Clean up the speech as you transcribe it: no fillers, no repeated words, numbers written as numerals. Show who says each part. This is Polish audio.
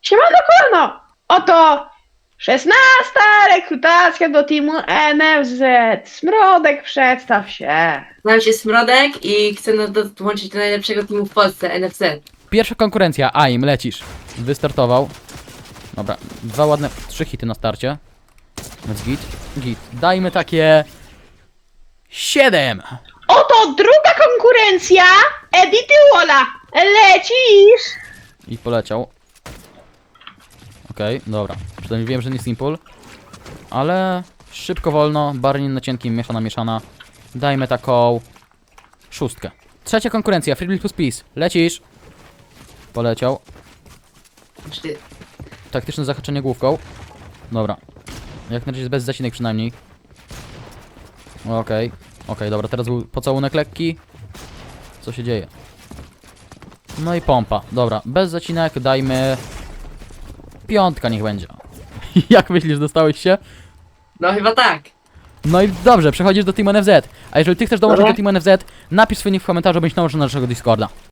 Speaker 1: Siemano kolano! Oto 16. rekrutacja do teamu NFZ. Smrodek, przedstaw się.
Speaker 2: Nazywam się Smrodek i chcę dołączyć do najlepszego teamu w Polsce, NFZ.
Speaker 3: Pierwsza konkurencja, AIM, lecisz. Wystartował. Dobra, 3 hity na starcie. Więc git. Dajmy takie... 7!
Speaker 1: Oto druga konkurencja Edity Walla. Lecisz!
Speaker 3: I poleciał. Okej, dobra. Przynajmniej wiem, że nie simple. Ale szybko, wolno, bardziej na cienkim, mieszana. Dajmy taką... 6. Trzecia konkurencja, Freebuild plus Peace. Lecisz. Poleciał.
Speaker 2: Znaczy,
Speaker 3: Taktyczne zahaczenie główką. Dobra. Jak na razie bez zacinek przynajmniej. Okej, dobra, teraz był pocałunek lekki. Co się dzieje? No i pompa. Dobra, bez zacinek dajmy... 5 niech będzie. Jak myślisz, dostałeś się?
Speaker 2: no chyba tak.
Speaker 3: No i dobrze, przechodzisz do Team NFZ. A jeżeli ty chcesz dołączyć
Speaker 1: Dobra.
Speaker 3: do Team NFZ, napisz swój nick w komentarzu, bądź dołączył na naszego Discorda.